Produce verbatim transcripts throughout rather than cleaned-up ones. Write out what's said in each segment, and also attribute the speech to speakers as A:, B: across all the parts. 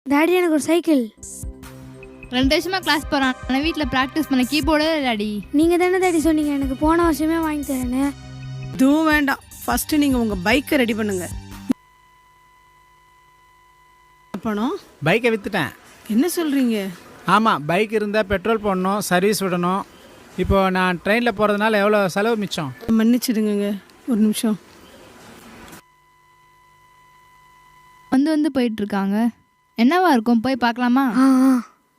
A: Daddy எனக்கு ஒரு cycle.
B: ரெண்டு வருஷமா கிளாஸ் போகிறான். ஆனால் வீட்டில் ப்ராக்டிஸ் பண்ண கீபோர்டே டாடி.
A: நீங்கள் தானே டாடி சொன்னீங்க எனக்கு போன வருஷமே வாங்கி தரேன்னு.
C: இதுவும் வேண்டாம், ஃபஸ்ட்டு நீங்கள் உங்கள் பைக்கை ரெடி பண்ணுங்க. பணம்
D: பைக்கை விற்றுட்டேன்.
C: என்ன சொல்கிறீங்க?
D: ஆமாம், பைக் இருந்தால் பெட்ரோல் போடணும், சர்வீஸ் விடணும். இப்போது நான் ட்ரெயினில் போகிறதுனால எவ்வளோ செலவு மிச்சம்?
C: மன்னிச்சிடுங்க, ஒரு நிமிஷம்.
B: வந்து வந்து போயிட்டு இருக்காங்க. என்னவா இருக்கும், போய் பார்க்கலாமா?
A: ஆ ஆ.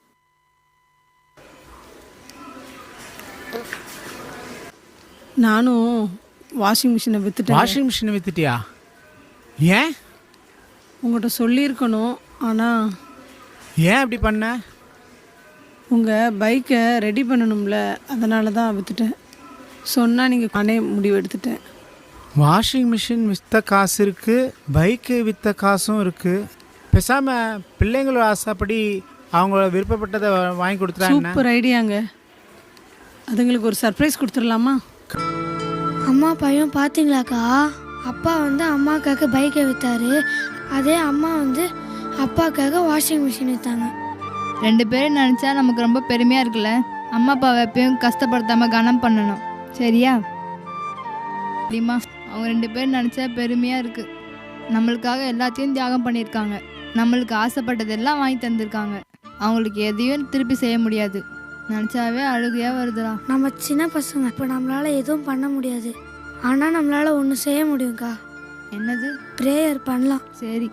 C: நானும் வாஷிங் மிஷினை விற்றுட்டேன்.
D: வாஷிங் மிஷினை விற்றுட்டியா? ஏன்?
C: உங்கள்கிட்ட சொல்லியிருக்கணும், ஆனால்
D: ஏன் அப்படி பண்ண?
C: உங்கள் பைக்கை ரெடி பண்ணணும்ல, அதனால தான் விற்றுட்டேன். சொன்னால் நீங்கள் நானே முடிவு எடுத்துட்டேன்.
D: வாஷிங் மிஷின் விற்ற காசு இருக்குது, பைக்கு விற்ற காசும் இருக்குது. பேசாமல் பிள்ளைங்களோட ஆசைப்படி அவங்கள விருப்பப்பட்டதை வாங்கி கொடுத்துட்டா என்ன?
C: சூப்பர் ஐடியாங்க. அதுங்களுக்கு ஒரு சர்ப்ரைஸ் கொடுத்துடலாமா?
A: அம்மா பையன் பார்த்தீங்களாக்கா, அப்பா வந்து அம்மாக்காக பைக்கை விற்றாரு, அதே அம்மா வந்து அப்பாக்காக வாஷிங் மிஷின் விற்றாங்க.
B: ரெண்டு பேரும் நினச்சா நமக்கு ரொம்ப பெருமையாக இருக்குல்ல. அம்மா அப்பாவை எப்பயும் கஷ்டப்படுத்தாமல் கனம் பண்ணணும், சரியா? அப்படிமா அவங்க ரெண்டு பேரும் நினச்சா பெருமையாக இருக்குது. நம்மளுக்காக எல்லாத்தையும் தியாகம் பண்ணியிருக்காங்க. நம்மளுக்கு ஆசைப்பட்டதெல்லாம் வாங்கி தந்திருக்காங்க. அவங்களுக்கு எதையும் திருப்பி செய்ய முடியாது. நினச்சாவே அழுகையாக வருதுடா.
A: நம்ம சின்ன பசங்க, இப்போ நம்மளால் எதுவும் பண்ண முடியாது. ஆனால் நம்மளால் ஒன்று செய்ய முடியும்க்கா.
B: என்னது?
A: ப்ரேயர் பண்ணலாம்.
B: சரி.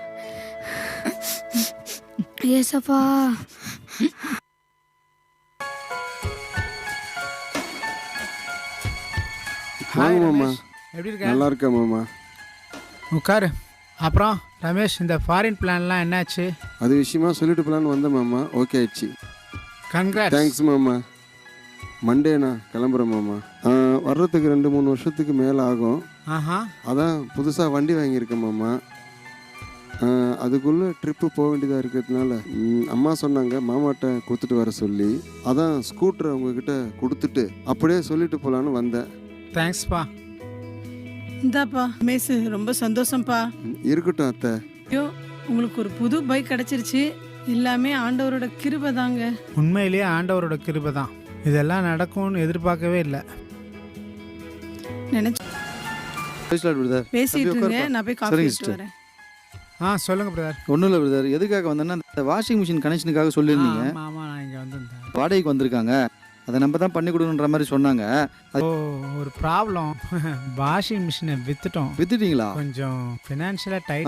A: ஏசப்பா,
D: ஹாய்
E: மாமா.
D: ரமேஷ், எப்படி இருக்க?
E: நல்லா இருக்கேன் மாமா.
D: உட்காரு. அப்புறம் ரமேஷ், இந்த ஃபாரின் பிளான்லாம் என்னாச்சு?
E: அது விஷயமா சொல்லிட்டு போலான்னு வந்தேன் மாமா. ஓகே ஆயிடுச்சு.
D: கங்க்ராட்ஸ்.
E: தேங்க்ஸ் மாமா. மண்டேண்ணா கிளம்புறேன் மாமா. ஆ, வர்றதுக்கு ரெண்டு மூணு வருஷத்துக்கு மேலே ஆகும்.
D: ஆஹா.
E: அதான் புதுசாக வண்டி வாங்கியிருக்கேன் மாமா. ஆ, அதுக்குள்ளே ட்ரிப்பு போக வேண்டியதாக இருக்கிறதுனால ம், அம்மா சொன்னாங்க மாமாட்ட கொடுத்துட்டு வர சொல்லி. அதான் ஸ்கூட்டரை உங்ககிட்ட கொடுத்துட்டு அப்படியே சொல்லிட்டு போகலான்னு வந்தேன்.
D: தேங்க்ஸ்ப்பா.
C: இந்தாப்பா மேசு, ரொம்ப சந்தோஷம்ப்பா.
E: ம், இருக்கட்டும் அத்தை.
C: ஐயோ, உங்களுக்கு ஒரு புது பைக் கிடச்சிருச்சு. எல்லாமே ஆண்டவரோட கிருபை தாங்க.
D: உண்மையிலேயே ஆண்டவரோட கிருபை தான். இதெல்லாம் நடக்கும்னு எதிர்பார்க்கவே இல்லை.
C: நினைச்சு பேசிட்டு இருங்க, நான் போய் காஃபி எடுத்து வரேன்.
D: ஆ சொல்லுங்கள் பிரதர்.
F: ஒன்றும் இல்லை பிரதர், எதுக்காக வந்தேன்னா இந்த வாஷிங் மிஷின் கனெக்ஷனுக்காக சொல்லியிருந்தீங்க.
D: ஆமாம் ஆமாம், நான் இங்கே வந்திருந்தேன்.
F: வாடகைக்கு வந்திருக்காங்க, அதை நம்ம தான் பண்ணி கொடுக்கணுன்ற மாதிரி சொன்னாங்க.
D: ஓ, ஒரு ப்ராப்ளம். வாஷிங் மிஷினை விற்றுட்டோம்.
F: வித்துட்டீங்களா?
D: கொஞ்சம் ஃபினான்ஷியலாக டைட்.